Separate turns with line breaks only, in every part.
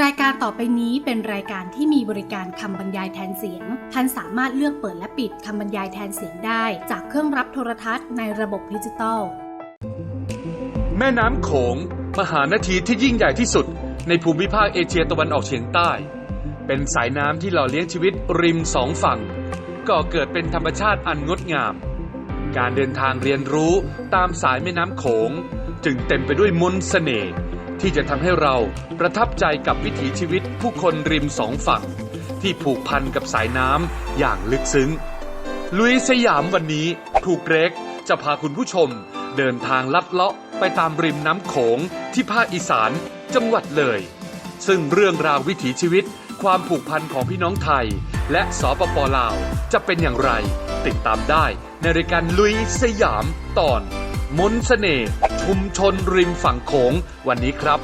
รายการต่อไปนี้เป็นรายการที่มีบริการคำบรรยายแทนเสียงท่านสามารถเลือกเปิดและปิดคำบรรยายแทนเสียงได้จากเครื่องรับโทรทัศน์ในระบบดิจิตอล
แม่น้ำโขงมหานาทีที่ยิ่งใหญ่ที่สุดในภูมิภาคเอเชียตะวันออกเฉียงใต้เป็นสายน้ำที่หล่อเลี้ยงชีวิตริมสองฝั่งก่อเกิดเป็นธรรมชาติอันงดงามการเดินทางเรียนรู้ตามสายแม่น้ำโขงจึงเต็มไปด้วยมนต์เสน่ห์ที่จะทำให้เราประทับใจกับวิถีชีวิตผู้คนริมสองฝั่งที่ผูกพันกับสายน้ำอย่างลึกซึ้งลุยสยามวันนี้ครูเกรกจะพาคุณผู้ชมเดินทางลัดเลาะไปตามริมน้ำโขงที่ภาคอีสานจังหวัดเลยซึ่งเรื่องราววิถีชีวิตความผูกพันของพี่น้องไทยและสปป.ลาวจะเป็นอย่างไรติดตามได้ในรายการลุยสยามตอนมนต์เสน่ห์ชุมชนริมฝั่งโขงวันนี้ครับ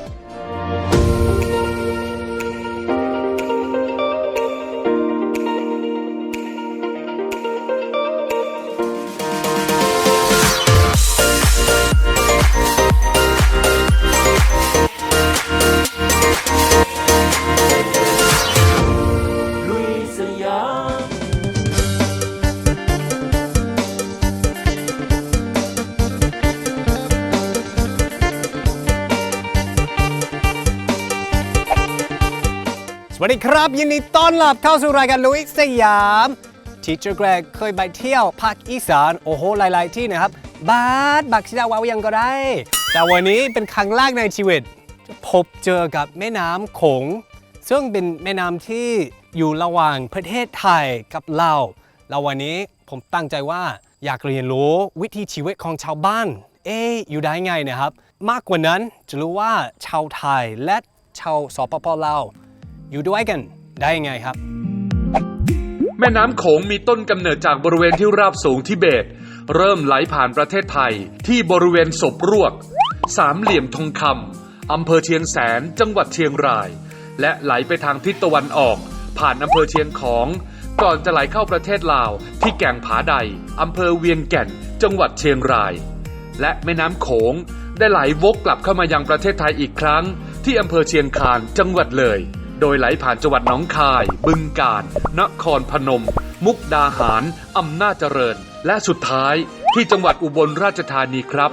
สวัสดีครับยินดีต้อนรับเข้าสู่รายการลุยสยามทีเจอร์แกรกเคยไปเที่ยวภาคอีสานโอ้โหหลายๆที่นะครับบักชิดาวาวยังก็ได้แต่วันนี้เป็นครั้งแรกในชีวิตจะพบเจอกับแม่น้ำโขงซึ่งเป็นแม่น้ำที่อยู่ระหว่างประเทศไทยกับลาวแล้ววันนี้ผมตั้งใจว่าอยากเรียนรู้วิถีชีวิตของชาวบ้านอยู่ได้ไงนะครับมากกว่านั้นจะรู้ว่าชาวไทยและชาวสปป.ลาวอยู่ด้วยกันได้ยังไงครับ
แม่น้ำโขงมีต้นกำเนิดจากบริเวณที่ราบสูงทิเบตเริ่มไหลผ่านประเทศไทยที่บริเวณศพรวกสามเหลี่ยมทองคำอำเภอเชียงแสนจังหวัดเชียงรายและไหลไปทางทิศตะวันออกผ่านอำเภอเชียงของก่อนจะไหลเข้าประเทศลาวที่แก่งผาใดอำเภอเวียงแก่นจังหวัดเชียงรายและแม่น้ำโขงได้ไหลวกกลับเข้ามายังประเทศไทยอีกครั้งที่อำเภอเชียงคานจังหวัดเลยโดยไหลผ่านจังหวัดหนองคายบึงกาฬนครพนมมุกดาหารอำนาจเจริญและสุดท้ายที่จังหวัดอุบลราชธานีครับ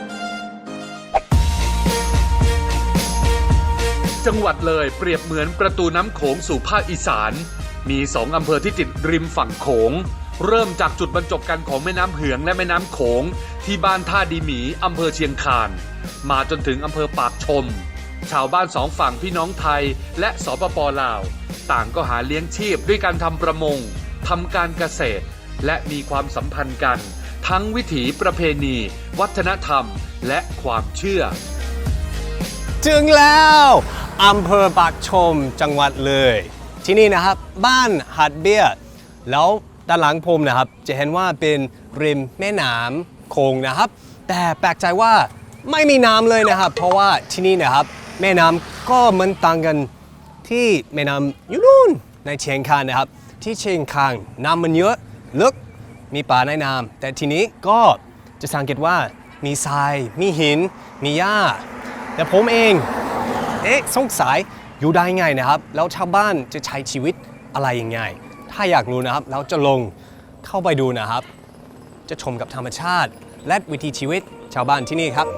จังหวัดเลยเปรียบเหมือนประตูน้ำโขงสู่ภาคอีสานมี2อำเภอที่ติดริมฝั่งโขงเริ่มจากจุดบรรจบกันของแม่น้ำเหืองและแม่น้ำโขงที่บ้านท่าดีหมีอำเภอเชียงคานมาจนถึงอำเภอปากชมชาวบ้าน2ฝั่งพี่น้องไทยและสปป.ลาวต่างก็หาเลี้ยงชีพด้วยการทำประมงทำการเกษตรและมีความสัมพันธ์กันทั้งวิถีประเพณีวัฒนธรรมและความเชื่อ
ถึงแล้วอำเภอปากชมจังหวัดเลยที่นี่นะครับบ้านหัดเบี้ยแล้วด้านหลังผมนะครับจะเห็นว่าเป็นริมแม่น้ำโขงนะครับแต่แปลกใจว่าไม่มีน้ำเลยนะครับเพราะว่าที่นี่นะครับแม่น้ำก็เหมือนต่างกันที่แม่น้ำอยู่นู่นในเชียงคานนะครับที่เชียงคานน้ำมันเยอะลึกมีป่าในน้ำแต่ทีนี้ก็จะสังเกตว่ามีทรายมีหินมีหญ้าแต่ผมเองสงสัยอยู่ได้ไงนะครับแล้วชาวบ้านจะใช้ชีวิตอะไรยังไงถ้าอยากรู้นะครับเราจะลงเข้าไปดูนะครับจะชมกับธรรมชาติและวิถีชีวิตชาวบ้านที่นี่ครับ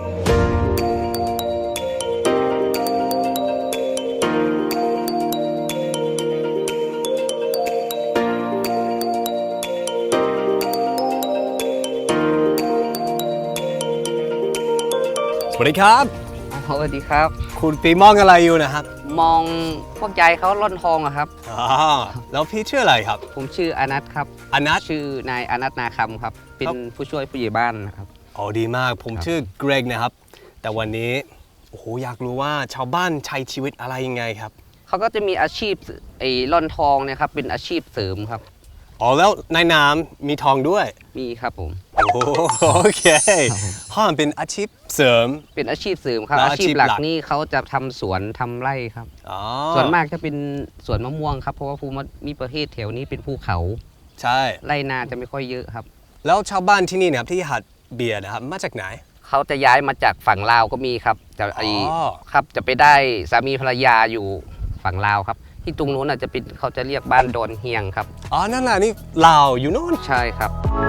สวัสดีครับ
สวัสดีครับ
คุณปีมองอะไรอยู่นะครับ
มองพวกยายเขาล่อนทองอะครับ
แล้วพี่ชื่ออะไรครับ
ผมชื่ออนัทครับ
อนัท
ชื่อนายอนัทนาคำครับเป็นผู้ช่วยผู้ใหญ่บ้านนะครับ
อ๋อดีมากผมชื่อเกรกนะครับแต่วันนี้โอ้โหอยากรู้ว่าชาวบ้านใช้ชีวิตอะไรยังไงครับ
เขาก็จะมีอาชีพล่อนทองเนี่ยครับเป็นอาชีพเสริมครับ
อ๋อแล้วในน้ำมีทองด้วย
มีครับผม
โอเคห้องเป็นอาชีพเสริม
เป็นอาชีพเสริมครับอาชีพหลักนี่เขาจะทำสวนทำไร่ครับส่วนมากจะเป็นสวนมะม่วงครับเพราะว่าภูมิประเทศแถวนี้เป็นภูเขา
ใช่
ไร่นาจะไม่ค่อยเยอะครับ
แล้วชาวบ้านที่นี่นะครับที่หัดเบียร์นะครับมาจากไหน
เขาจะย้ายมาจากฝั่งลาวก็มีครับครับจะไปได้สามีภรรยาอยู่ฝั่งลาวครับที่ตรงนู้นอาจจะเป็นเขาจะเรียกบ้านดอนเฮียงครับ
อ๋อนั่นแหละนี่ลาวอยู่โน่น
ใช่ครับ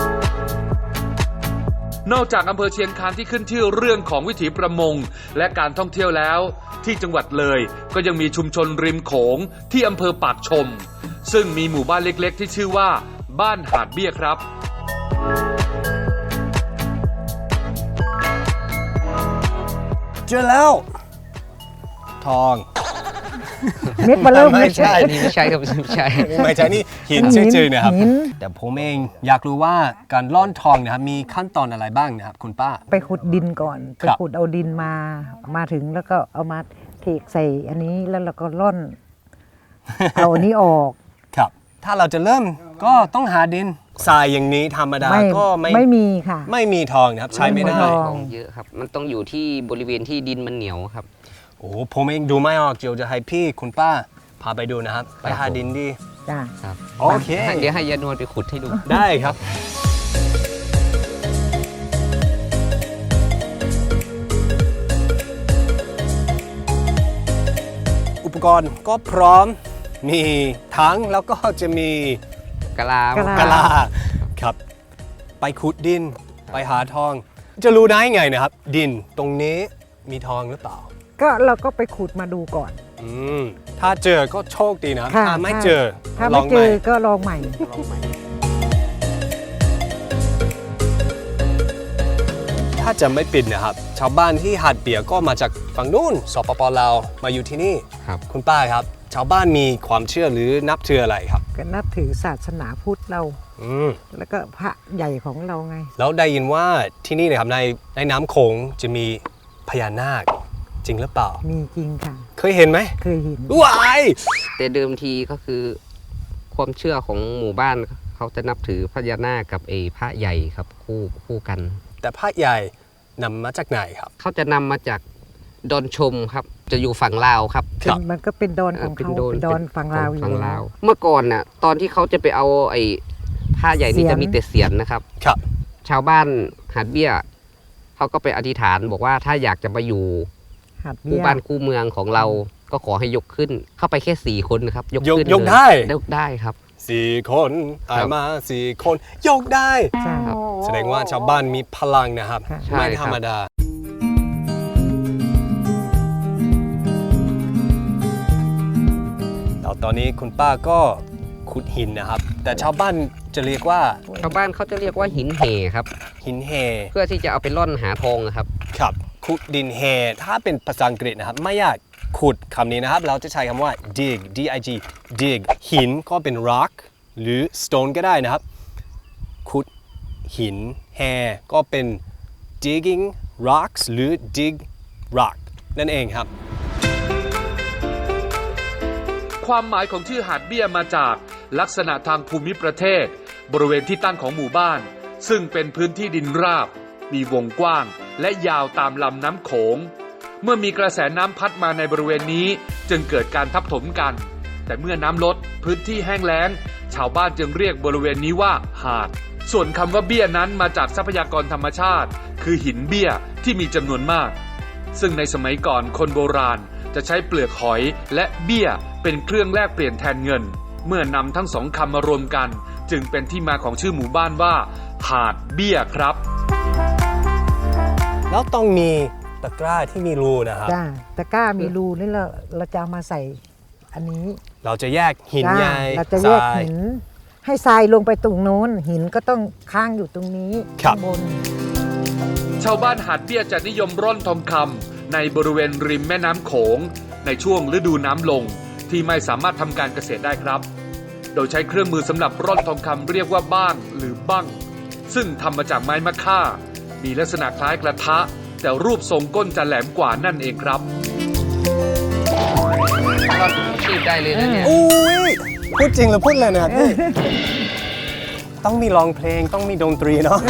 นอกจากอำเภอเชียงคานที่ขึ้นชื่อเรื่องของวิถีประมงและการท่องเที่ยวแล้วที่จังหวัดเลยก็ยังมีชุมชนริมโขงที่อำเภอปากชมซึ่งมีหมู่บ้านเล็กๆที่ชื่อว่าบ้านหาดเบี้ยครับ
เจอแล้วทอง
เม็ดมาเริ่ม
ไม่ใช่
นี่ไม่ใช่ครับไม่ใช่
ไม่ใช่นี่หินจืดๆนะครับแต่ผมเองอยากรู้ว่าการล่อนทองนะครับมีขั้นตอนอะไรบ้างนะครับคุณป้า
ไปขุดดินก่อนไปขุดเอาดินมาถึงแล้วก็เอามาเทใส่อันนี้แล้วเราก็ล่อนเอาอันนี้ออก
ครับถ้าเราจะเริ่มก็ต้องหาดินทรายอย่างนี้ธรรมดาก็
ไม่มีค่ะ
ไม่มีทองนะครับใช้ไม่ได้
ทองเยอะครับมันต้องอยู่ที่บริเวณที่ดินมันเหนียวครับ
โอ้ผมเองดูไม่ออกเดี๋ยวจะให้พี่คุณป้าพาไปดูนะครับไปหาดินดี
จ้า
ครับ
โอเค
เดี๋ยวให้ยานวลไปขุดให้ดู
ได้ครับอุปกรณ์ก็พร้อมมีถังแล้วก็จะมี
กะลา
ครับไปขุดดินไปหาทองจะรู้ได้ไงนะครับดินตรงนี้มีทองหรือเปล่า
ก็เราก็ไปขุดมาดูก่อน
ถ้าเจอก็โชคดีนะถ้าไม่เจอ
ก็ลองใหม่
ถ้าจะไม่ปิดนะครับชาวบ้านที่หาดเปียก็มาจากฝั่งนู้นสปป.ลาวมาอยู่ที่นี่
ครับ
คุณป้าครับชาวบ้านมีความเชื่อหรือนับถืออะไรครับ
ก็นับถือศาสนาพุทธเราแล้วก็พระใหญ่ของเราไง
แล้วได้ยินว่าที่นี่นะครับในน้ำโขงจะมีพญานาคจริงหรือเปล่า
มีจริงค่ะ
เคยเห็นไหม
เคยเห็น
ว้าย
แต่เดิมทีก็คือความเชื่อของหมู่บ้านเขาจะนับถือพญานาคกับพระใหญ่ครับคู่กัน
แต่พระใหญ่นำมาจากไหนครับ
เขาจะนำมาจากดอนชมครับจะอยู่ฝั่งลาวครับ
มันก็เป็นดอนของเขาเป็นดอนฝั่งลาว
อยู่เมื่อก่อนน่ะตอนที่เขาจะไปเอาผ้าใหญ่นี่จะมีแต่เสียนนะครับ
ครับ
ชาวบ้านหาดเบี้ยเขาก็ไปอธิษฐานบอกว่าถ้าอยากจะมาอยู่คู่บ้านคู่เมืองของเราก็ขอให้ยกขึ้นเข้าไปแค่4 คนนะครับ
ยกได้
ครับ
4 คนมา4 คนยกได้แสดงว่าชาวบ้านมีพลังนะครับไม่ธรรมดาแล้วตอนนี้คุณป้าก็ขุดหินนะครับแต่ชาวบ้านจะเรียกว่า
ชาวบ้านเขาจะเรียกว่าหินเหครับ
หินเห
เพื่อที่จะเอาไปล่อนหาทองครับ
ครับขุดดินเหถ้าเป็นภาษาอังกฤษนะครับไม่ยากขุดคำนี้นะครับเราจะใช้คำว่า dig dig หินก็เป็น rock หรือ stone ก็ได้นะครับขุดหินแฮก็เป็น digging rocks หรือ dig rock นั่นเองครับ
ความหมายของชื่อหาดเบี้ยมาจากลักษณะทางภูมิประเทศบริเวณที่ตั้งของหมู่บ้านซึ่งเป็นพื้นที่ดินราบมีวงกว้างและยาวตามลำน้ำโขงเมื่อมีกระแสน้ำพัดมาในบริเวณนี้จึงเกิดการทับถมกันแต่เมื่อน้ำลดพื้นที่แห้งแล้งชาวบ้านจึงเรียกบริเวณนี้ว่าหาดส่วนคำว่าเบี้ยนั้นมาจากทรัพยากรธรรมชาติคือหินเบี้ยที่มีจำนวนมากซึ่งในสมัยก่อนคนโบราณจะใช้เปลือกหอยและเบี้ยเป็นเครื่องแลกเปลี่ยนแทนเงินเมื่อนำทั้งสองคำมารวมกันจึงเป็นที่มาของชื่อหมู่บ้านว่าหาดเบี้ยครับ
แล้วต้องมีตะกร้าที่มีรูนะครับ
ตะกร้ามีรูนี่เราจะเอามาใส่อันนี้
เราจะแยกหินใหญ่
เราจะแยกหินให้ทรายลงไปตรงโน้นหินก็ต้องค้างอยู่ตรงนี้ข้างบน
ชาวบ้านหาดเบี้ยจะนิยมร่อนทองคำในบริเวณริมแม่น้ำโขงในช่วงฤดูน้ำลงที่ไม่สามารถทำการเกษตรได้ครับโดยใช้เครื่องมือสำหรับร่อนทองคำเรียกว่าบ้างหรือบั้งซึ่งทำมาจากไม้มะค่ามีลักษณะคล้ายกระทะแต่รูปทรงก้นจะแหลมกว่านั่นเองครับ
เราชีพได้เลยนะเนี่ย
อุ้ยพูดจริงหรือพูดเลยนะครับต้องมีร้องเพลงต้องมีดนตรีเนาะ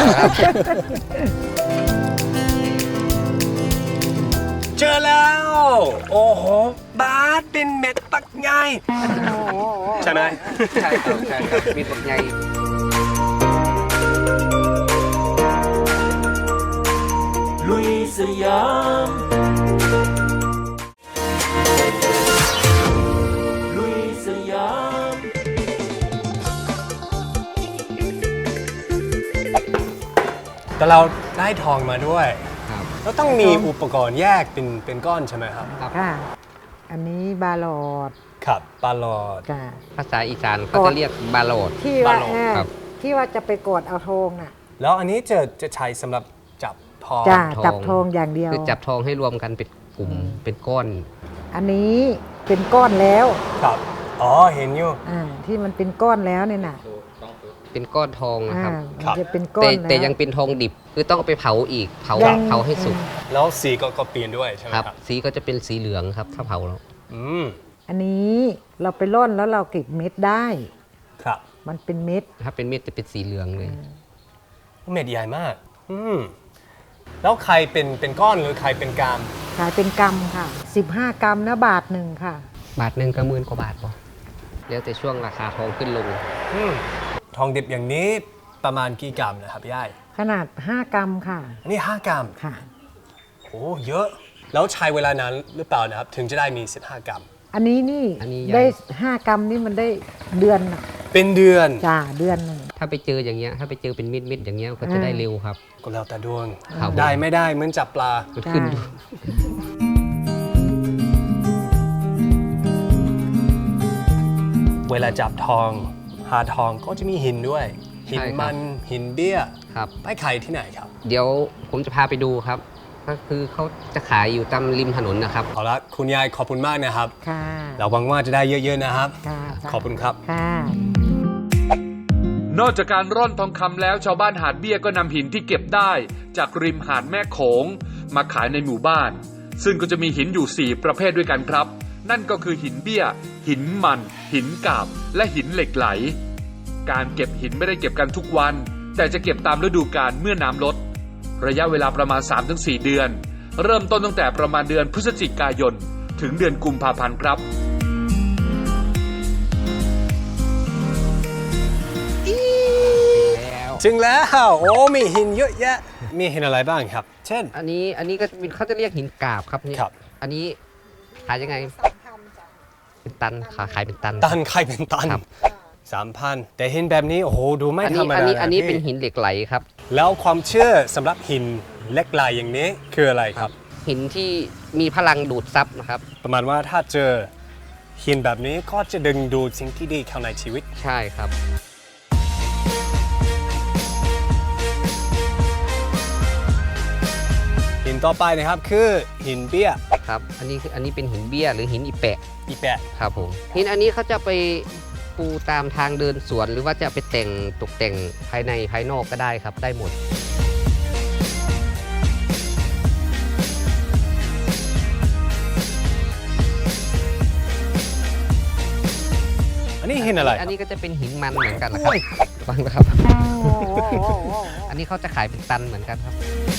เจอแล้วโอ้โหบาสเป็นเม็ดปักใหญ่ใช่ไหม
ใช่ครับมีปักใหญ่
ลุย
สยาม ลุยสยาม
แต่เราได้ทองมาด้วย
ครับ
แล้วต้องมีอุปกรณ์แยกเป็นก้อนใช่ไหมครับ
ครับ
ค่ะ อันนี้บาลอด
ครับปลาหลอด
ค่ะ
ภาษาอีสานเขาจะเรียกบาโลด
ที่ว่า
บาลอด
ครับ
ที่ว่าจะไปกดเอาทองน่ะ
แล้วอันนี้จะใช้สำหรับจับทอง
จ้า
ทอง
จับทองอย่างเดียว
คือจับทองให้รวมกันเป็นกลุ่มเป็นก้อน
อันนี้เป็นก้อนแล้ว
ครับอ๋อเห็นอยู่
ที่มันเป็นก้อนแล้วเนี่ยน่ะ
เป็นก้อนทองนะครับ
ครับ
มันจะเป็นก้อ
แต่
นแล้ว
แต่ยังเป็นทองดิบคือต้องเอาไปเผาอีกเผา
ยัง
เผาให้สุก
แล้วสีก็เปลี่ยนด้วยใช่ไหม
ครับ
ครับ
สีก็จะเป็นสีเหลืองครับถ้าเผาแล้ว
อืม
อันนี้เราไปร่อนแล้วเราเก็บเม็ดได้
ครับ
มันเป็นเม็ด
ถ้าเป็นเม็ดจะเป็นสีเหลืองเลย
เม็ดใหญ่มากแล้วใครเป็นก้อนหรือใครเป็นกาม
ขายเป็นกำค่ะ 15 กรัมนะบาทหนึ่งค่ะ
บาทหนึ่งก็หมื่นกว่าบาทป่ะแล้วแต่ช่วงราคาทองขึ้นลง
ทองดิบอย่างนี้ประมาณกี่กรัมนะครับย่าย
ขนาด 5 กรัมค่ะ
อันนี้5กรัม
ค่ะ
โอ้เยอะ แล้วใช้เวลานานหรือเปล่านะครับ ถึงจะได้มี15กรัม
อันนี้นี่
อันนี้
ได้
ยัง
5 กรัมนี่มันได้เดือนน่ะ
เป็นเดือน
จ้าเดือนหนึ่ง
ถ้าไปเจออย่างเงี้ยถ้าไปเจอเป็นมิดๆอย่างเงี้ยก็จะได้เร็วครับ
ก็แล้วแต่ดวง
ครับ
ได้ไม่ได้เหมือนจับปลา
มันขึ้น
จ้า
เวลาจับทอง หาทองก็จะมีหินด้วย หิน
ใช่ครับ
มันหินเบี้ย
ครับ
ไปขายที่ไหนครับ
เดี๋ยวผมจะพาไปดูครับ ก็คือเขาจะขายอยู่ตามริมถนนนะครับ
เอาละคุณยายขอบคุณมากนะครับ
ค่ะ
เราหวังว่าจะได้เยอะๆนะครับ
ค่ะ
ขอบคุณครับ
ค่ะ
นอกจากการร่อนทองคำแล้วชาวบ้านหาดเบี้ยก็นำหินที่เก็บได้จากริมหาดแม่โขงมาขายในหมู่บ้าน ซึ่งก็จะมีหินอยู่ 4 ประเภทด้วยกันครับ นั่นก็คือหินเบี้ย หินมัน หินกาบ และหินเหล็กไหล การเก็บหินไม่ได้เก็บกันทุกวัน แต่จะเก็บตามฤดูกาลเมื่อน้ำลด ระยะเวลาประมาณ 3-4 เดือน เริ่มต้นตั้งแต่ประมาณเดือนพฤศจิกายนถึงเดือนกุมภาพันธ์ครับ
แล้ว
ถึงแล้ว โอ้มีหินเยอะแยะ มีหินอะไรบ้างครับ เช่น
อันนี้ก็เป็นเขาจะเรียกหินกาบครับนี่
ครับ
อันนี้ขายยังไงเป็นตันขายเป็นตัน
ตันใครเป็นตัน
ครับ
3,000 แต่หินแบบนี้โอ้โหดูไม่
อัน
ธร
นี้
รม
อัน
ดา
นี้อันนี้
ะ
เป็น
พี่
หินเหล็กไหลครับ
แล้วความเชื่อสำหรับหินเหล็กไหลอย่างนี้คืออะไรครับ
หินที่มีพลังดูดซับนะครับ
ประมาณว่าถ้าเจอหินแบบนี้ก็จะดึงดูดสิ่งที่ดีเข้าในชีวิต
ใช่ครับ
หินต่อไปนะครับคือหินเบี้ย
ครับ อันนี้เป็นหินเบี้ยหรือหินอีแปะ
อีแปะ
ครับผมหินอันนี้เขาจะไปปูตามทางเดินสวน หรือว่าจะไปแต่งตกแต่งภายในภายนอกก็ได้ครับ ได้หมด
อันนี้หินอะไร
อันนี้ก็จะเป็นหินมันเหมือนกันนะครับฟังนะครับ อันนี้เขาจะขายเป็นตันเหมือนกันครับ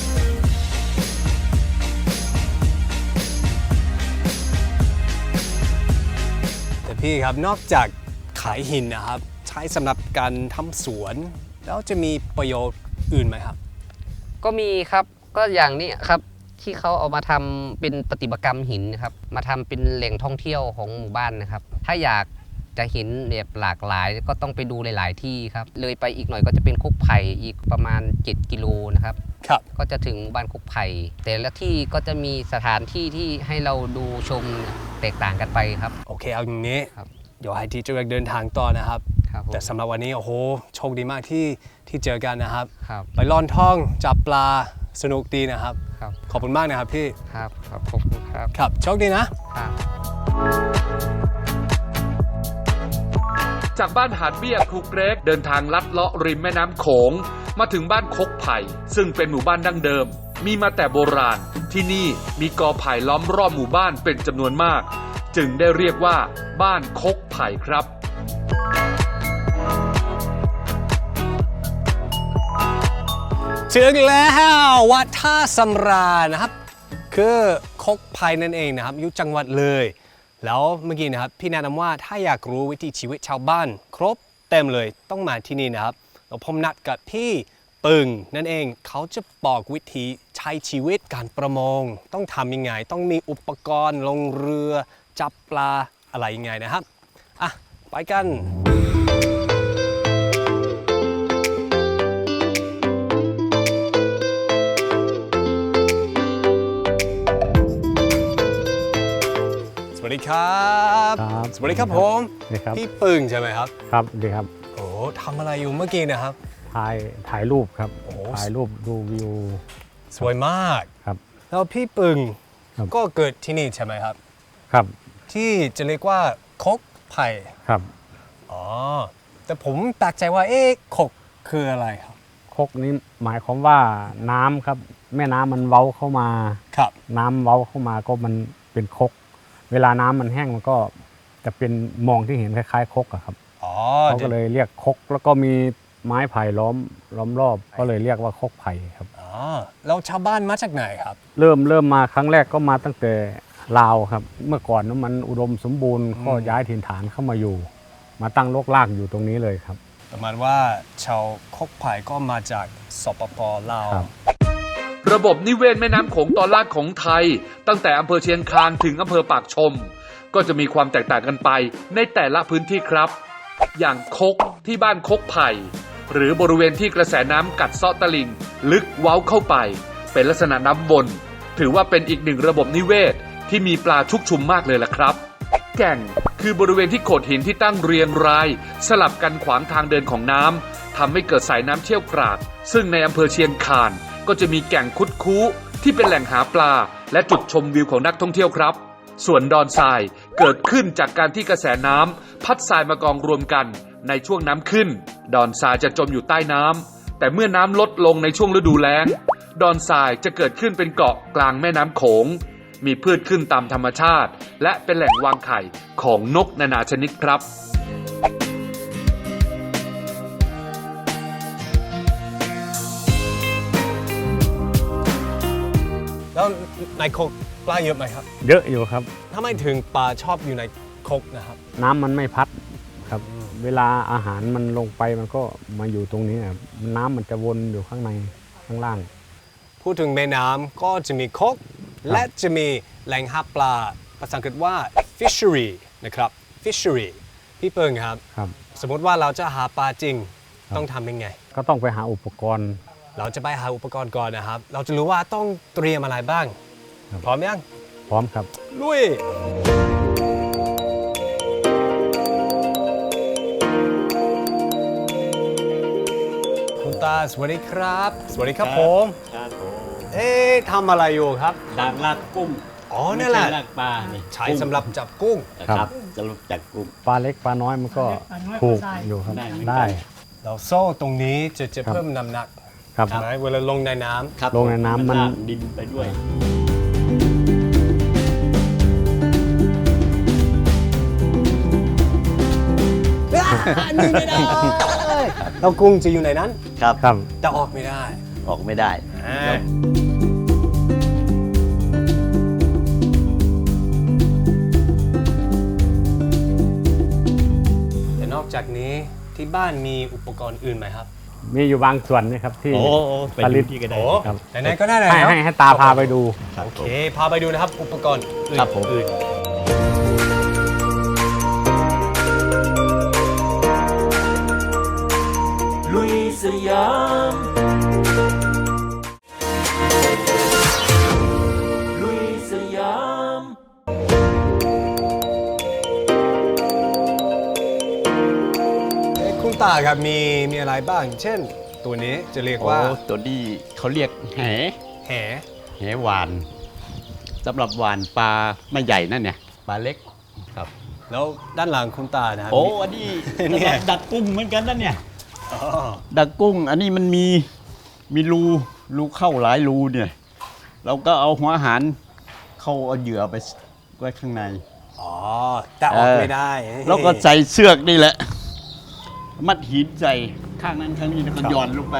แต่พี่ครับนอกจากขายหินนะครับ ใช้สำหรับการทำสวน แล้วจะมีประโยชน์อื่นไหมครับ
ก็มีครับก็อย่างนี้ครับที่เขาเอามาทำเป็นประติมากรรมหินนะครับมาทำเป็นแหล่งท่องเที่ยวของหมู่บ้านนะครับ ถ้าอยากจะเห็นแบบหลากหลายก็ต้องไปดูหลาย ๆ ที่ครับเลยไปอีกหน่อยก็จะเป็นคุกไผ่อีกประมาณ7 กิโลนะครับ
ครับ
ก็จะถึงหมู่บ้านคุกไผ่แต่ละที่ก็จะมีสถานที่ที่ให้เราดูชมแตกต่างกันไปครับ
โอเคเอาอย่างนี้
ครับ
เดี๋ยวให้ทีเจอเดินทางต่อนะครับ
ครับผม
แต่สำหรับวันนี้โอ้โหโชคดีมากที่เจอกันนะครับ
ครับ
ไปล่อนท่องจับปลาสนุกดีนะครับ
ครับ
ขอบคุณมากนะครับพี่
ครับครับขอบคุณครับ
ครับโชคดีนะ
ครับ
จากบ้านหาดเบี้ยครูเกรกเดินทางลัดเลาะริมแม่น้ำโขงมาถึงบ้านคกไผ่ซึ่งเป็นหมู่บ้านดั้งเดิม มีมาแต่โบราณที่นี่มีกอไผ่ล้อมรอบหมู่บ้านเป็นจำนวนมาก จึงได้เรียกว่าบ้านคกไผ่ครับ
ถึงแล้ววัดท่าสำราญนะครับ คือคกไผ่นั่นเองนะครับอยู่จังหวัดเลย แล้วเมื่อกี้นะครับพี่แนะนำว่าถ้าอยากรู้วิถีชีวิตชาวบ้าน ครบเต็มเลยต้องมาที่นี่นะครับแล้วผมนัดกับพี่ปืปึงนั่นเองเขาจะบอกวิธีใช้ชีวิตการประมงต้องทำยังไงต้องมีอุปกรณ์ลงเรือจับปลาอะไรยังไงนะครับอ่ะไปกันสวัสดีครับ
ครับ
สวัสดีครับผม
นี่ครับ
พี่ปึงใช่ไหมครับ
ครับดีครับ
โอ้ทำอะไรอยู่เมื่อกี้นะครับ
ถ่ายรูปครับ
โอ้
ถ่ายรูปดูวิว
สวยมาก
ครับ
แล้วพี่ปึง
ครับ
ก็เกิดที่นี่ใช่ไหมครับ
ครับ
ที่จะเรียกว่าคกไผ่
ครับ
อ๋อแต่ผมแปลกใจว่าคกคืออะไรครับ
คกนี้หมายความว่าน้ำครับ แม่น้ำมันเว้าเข้ามา
ครับ
น้ำเว้าเข้ามาก็มันเป็นคก เวลาน้ำมันแห้งมันก็จะเป็นมองที่เห็นคล้ายๆคกอะครับ
อ๋อ
เขาก็เลยเรียกคก แล้วก็มีไม้ไผ่ล้อมรอบ ก็เลยเรียกว่าคกไผ่ครับ
อ๋อแล้วชาวบ้านมาจากไหนครับ
เริ่มมาครั้งแรกก็มาตั้งแต่ลาวครับ เมื่อก่อนนั้นมันอุดมสมบูรณ์ก็ย้ายถิ่นฐานเข้ามาอยู่ มาตั้งรกรากอยู่ตรงนี้เลยครับ
ประมาณว่าชาวคกไผ่ก็มาจากสปปลาว
ครับ
ระบบนิเวศแม่น้ำโขงตอนล่างของไทย ตั้งแต่อำเภอเชียงคานถึงอำเภอปากชม ก็จะมีความแตกต่างกันไปในแต่ละพื้นที่ครับ อย่างคกที่บ้านคกไผ่หรือบริเวณที่กระแสน้ำกัดเซาะตลิ่งลึกเว้าเข้าไป เป็นลักษณะน้ำวนถือว่าเป็นอีกหนึ่งระบบนิเวศที่มีปลาชุกชุมมากเลยล่ะครับ แก่งคือบริเวณที่โขดหินที่ตั้งเรียงราย สลับกันขวางทางเดินของน้ำทำให้เกิดสายน้ำเชี่ยวกรากซึ่งในอำเภอเชียงคานก็จะมีแก่งคุดคู้ที่เป็นแหล่งหาปลา และจุดชมวิวของนักท่องเที่ยวครับ ส่วนดอนทรายเกิดขึ้นจากการที่กระแสน้ำพัดทรายมากองรวมกันในช่วงน้ำขึ้น ดอนทรายจะจมอยู่ใต้น้ำแต่เมื่อน้ำลดลงในช่วงฤดูแล้งดอนทรายจะเกิดขึ้นเป็นเกาะกลางแม่น้ำโขงมีพืชขึ้นตามธรรมชาติ และเป็นแหล่งวางไข่ของนกนานาชนิดครับ
แล้วในคกปลาเยอะไหมครับ
เยอะอยู่ครับ
ทำไมถึงปลาชอบอยู่ในคกนะครับ
น้ำมันไม่พัดครับ เวลาอาหารมันลงไปมันก็มาอยู่ตรงนี้ครับน้ำมันจะวนอยู่ข้างในข้างล่าง
พูดถึงแม่น้ำก็จะมีคกและจะมีแหล่งหาปลาภาษาอังกฤษว่า fishery นะครับ fishery พี่เปิงครับ
ครับ
สมมติว่าเราจะหาปลาจริง
ครับ
ต้องทำยังไง
ก็ต้องไปหาอุปกรณ์
เราจะไปหาอุปกรณ์ก่อนนะครับ เราจะรู้ว่าต้องเตรียมอะไรบ้าง
ครับ
พร้อมยัง
พร้อมครับ
ลุยคุณตาสวัสดีครับ สวัสดีครับผม
ครับผม
ทำอะไรอยู่ครับ
ดักลากกุ้ง
อ๋อนั่นแหละ
ไม่ใช่ลากปลานี่
ใช้สำหรับจับกุ้ง
ครับสำหรับจับกุ้ง
ปลาเล็กปลาน้อยมันก็ถูกอยู่ครับ
ได้เหมือนกัน
ได้
เราโซ่ตรงนี้จะ
ครับ
เพิ่มน้ำหนัก
ครับ
ใช่ไหมเวลาลงในน้ำ
ครับ
ลงในน้ำมัน
ลากดินไปด้วย
นี่ไม่ได้ เรากุ้งจะอยู่ในนั้น
ครับ
ครับ
แต่ออกไม่ได้
ออกไม่ได้
แต่นอกจากนี้ที่บ้านมีอุปกรณ์อื่นไหมครับ
มีอยู่บางส่วนนะครับที่
โอ้ไป
ผ
ดู
ลิต
ที่ก็ได้
โอ้
ครับ
ไหนๆก็ได้เลย
ให้
เนาะ
ให้ตาพาไปดู
ครับ
โอเค พาไปดูนะครับ อุปกรณ์อื่น
ครับผม
อื่น
ลุยสยาม ลุยสยาม
คุณตาครับมีอะไรบ้าง เช่น ตัวนี้จะเรียกว่า
โอ้ตัวนี้เขาเรียกแห
แห
แหหวานสำหรับหวานปลาไม่ใหญ่นั่นเนี่ยปลาเล็กครับ
แล้วด้านหลังคุณตานะครับ
โอ้อันนี้
เนี่ย
สำหรับดักกุ้งเหมือนกันนั่นเนี่ย
อ๋อ
ดักกุ้งอันนี้มันมีรูเข้าหลายรูเนี่ย เราก็เอาหัวอาหารเข้าเอาเหยื่อไปไว้ข้างใน
อ๋อ แต่ออกไม่ได้
แล้วก็ใส่เสือกนี่แหละ มัดหินใส่ข้างนั้นข้างนี้แล้วก็หย่อนลงไป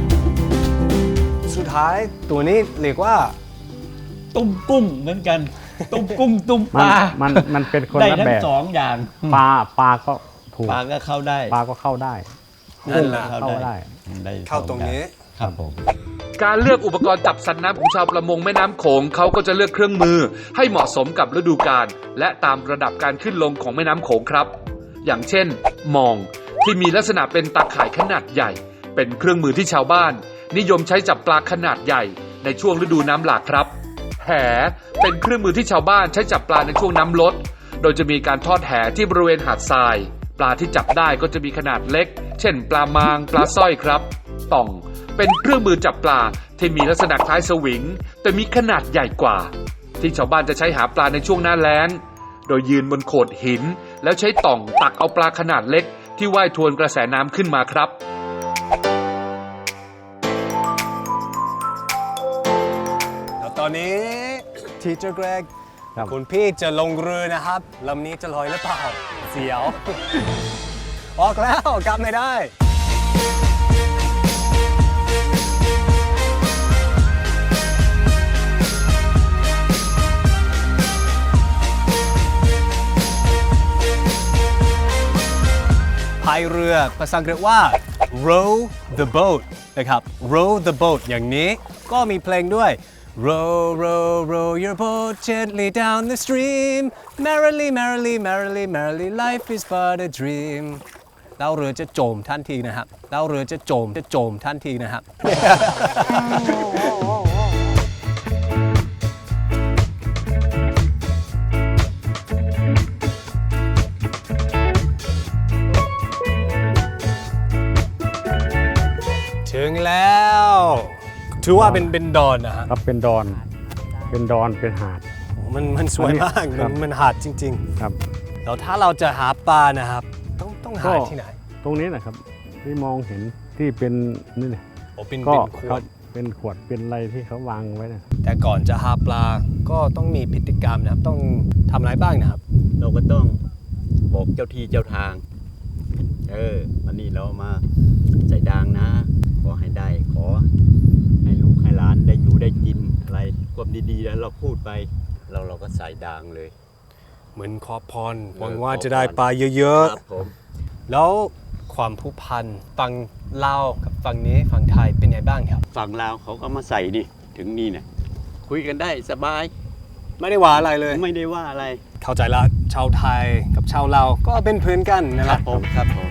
สุดท้ายตัวนี้เรียกว่า
ตุ้มกุ้งเหมือนกันตุ้มกุ้งตุ้มป
มัน
ลา
มันเป็นคน
ได้
ละ
ทั้
แบ
ง
บ
สองอย่าง
ปลาก็ถูก
ปลาก็เข้าได้
ปลาก็เข้าได้
นั่นแหละ
เข้าได้
ได้
เข้าตรงนี้
ครับผม
การเลือกอุปกรณ์จับสัตว์น้ำของชาวประมงแม่น้ำโขงเขาก็จะเลือกเครื่องมือให้เหมาะสมกับฤดูกาลและตามระดับการขึ้นลงของแม่น้ำโขงครับ อย่างเช่นมองที่มีลักษณะเป็นตาข่ายขนาดใหญ่ เป็นเครื่องมือที่ชาวบ้าน นิยมใช้จับปลาขนาดใหญ่ในช่วงฤดูน้ำหลากครับ แหเป็นเครื่องมือที่ชาวบ้านใช้จับปลาในช่วงน้ำลด โดยจะมีการทอดแหที่บริเวณหาดทราย ปลาที่จับได้ก็จะมีขนาดเล็ก เช่น ปลามาง ปลาสร้อยครับ ต่องเป็นเครื่องมือจับปลาที่มีลักษณะคล้ายสวิง แต่มีขนาดใหญ่กว่า ที่ชาวบ้านจะใช้หาปลาในช่วงหน้าแล้ง โดยยืนบนโขดหิน แล้วใช้ต่องตักเอาปลาขนาดเล็กที่ว่ายทวนกระแสน้ำขึ้นมาครับ
แล้วตอนนี้ทีเจอร์เกรก
ครับ
คุณพี่จะลงเรือนะครับลำนี้จะลอยหรือเปล่าเสียว ออกแล้วกลับไม่ได้ พายเรือภาษาอังกฤษว่า row the boat นะครับ row the boat อย่างนี้ก็มีเพลงด้วย row row row your boat gently down the stream merrily merrily merrily merrily life is but a dream แล้วเรือจะจมทันทีนะครับแล้วเรือจะจมทันทีนะครับ ถึงแล้วถือว่าเป็นดอนนะฮะ
ครับเป็นดอนเป็นหาด
มันสวยมาก
ครับ
มันหาดจริง
ครับ
ๆแล้วถ้าเราจะหาปลานะครับ ต้องหาที่ไหน
ตรงนี้นะครับที่มองเห็นที่เป็นนี่เนี่ย
โอ้เป็น
ก็
ข
คว รั
ด
บเป็นขวดเป็นอะไรที่เขาวางไว้นะ
แต่ก่อนจะหาปลาก็ต้องมีพฤติกรรมนะครับ ต้องทำอะไรบ้างนะครับ
เราก็ต้องบอกเจ้าที่เจ้าทาง วันนี้เรามาใส่ดางนะ ขอให้ได้ ขอให้ลูกให้หลานได้อยู่ได้กินอะไรความดีๆแล้วเราพูดไปเราก็ใส่ดางเลย
เหมือนขอพรห
เออ
วังว่า
ขอพร
จะได้ปลาเยอะ
ครับผม
ๆ แล้วความผูกพันฝั่งลาวกับฝั่งนี้ฝั่งไทยเป็นไงบ้างครับ
ฝั่งลาวเขาก็มาใส่นี่ถึงนี่เนี่ยคุยกันได้สบาย
ไม่ได้ว่าอะไรเลย
ไม่ได้ว่าอะไร
เข้าใจละชาวไทยกับชาวลาวก็เป็นเพื่อนกันนะ
ค
ค
รั
รั
บบ ผมครับผม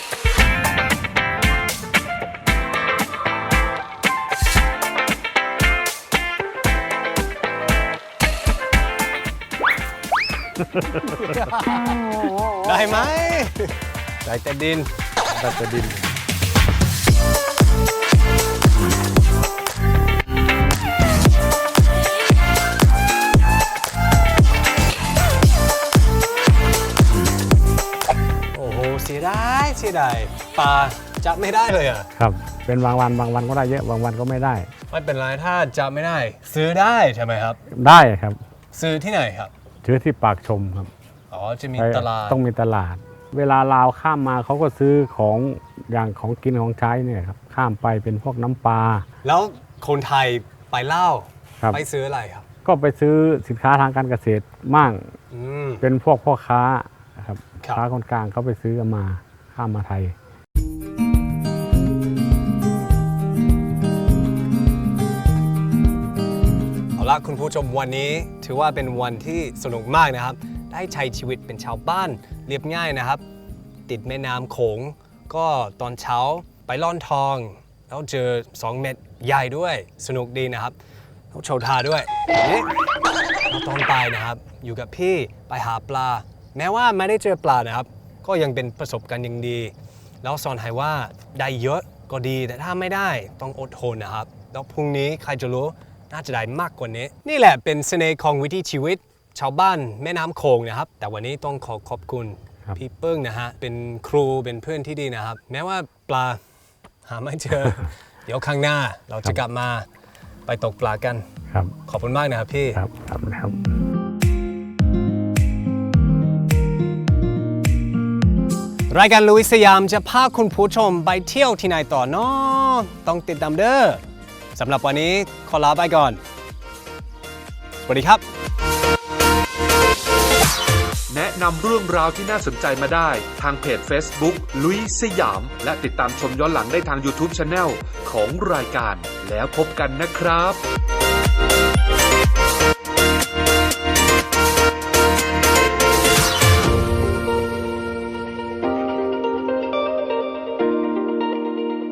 ได้ไหมได้แต่ดิน
ตัดดิน
โอ้โหเสียดายปลาจับไม่ได้เลยอ่ะ
ครับเป็นบางวันก็ได้เยอะบางวันก็ไม่ได้
ไม่เป็นไรถ้าจับไม่ได้ ซื้อได้ใช่ไหมครับ
ได้ครับ
ซื้อที่ไหนครับ
ซื้อที่ปากชมครับ
อ๋อจะมี
ไป
ตลาด
ต้องมีตลาด เวลาลาวข้ามมาเขาก็ซื้อของอย่างของกินของใช้เนี่ยครับข้ามไปเป็นพวกน้ำปลา
แล้วคนไทยไปเล่าว
ครับ
ไปซื้ออะไรครับ
ก็ไปซื้อสินค้าทางการเกษตรมั่ง
อืม
เป็นพวกพ่อค้าครับ
ครับ
ค้าคนกลางเขาไปซื้อกันมาข้ามมาไทย
เอาละคุณผู้ชมวันนี้ถือว่าเป็นวันที่สนุกมากนะครับ ได้ใช้ชีวิตเป็นชาวบ้านเรียบง่ายนะครับ ติดแม่น้ำโขงก็ตอนเช้าไปล่อนทอง แล้วเจอ2เม็ดใหญ่ด้วยสนุกดีนะครับแล้วโชว์ท่าด้วยนี่แล้วตอนไปนะครับ อยู่กับพี่ไปหาปลา แม้ว่าไม่ได้เจอปลานะครับ ก็ยังเป็นประสบการณ์ยังดี แล้วสอนให้ว่าได้เยอะก็ดีแต่ถ้าไม่ได้ต้องอดทนนะครับ แล้วพรุ่งนี้ใครจะรู้น่าจะได้มากกว่านี้ นี่แหละเป็นเสน่ห์ของวิถีชีวิต ชาวบ้านแม่น้ำโขงนะครับ แต่วันนี้ต้องขอบคุณ
ครับ
พี่เปิ้งนะฮะเป็นครูเป็นเพื่อนที่ดีนะครับ แม้ว่าปลาหาไม่เจอ เดี๋ยวข้างหน้าเราจะกลับมาไปตกปลากัน
ครับ
ขอบคุณมากนะครับพี่
ครับครับ
รายการลุยสยามจะพาคุณผู้ชมไปเที่ยวที่ไหนต่อเนาะต้องติดตามเด้อสำหรับวันนี้ขอลาไปก่อน สวัสดีครับ
แนะนำเรื่องราวที่น่าสนใจมาได้ทางเพจ Facebook ลุยสยามและติดตามชมย้อนหลังได้ทาง YouTube Channel ของรายการแล้วพบกันนะครับ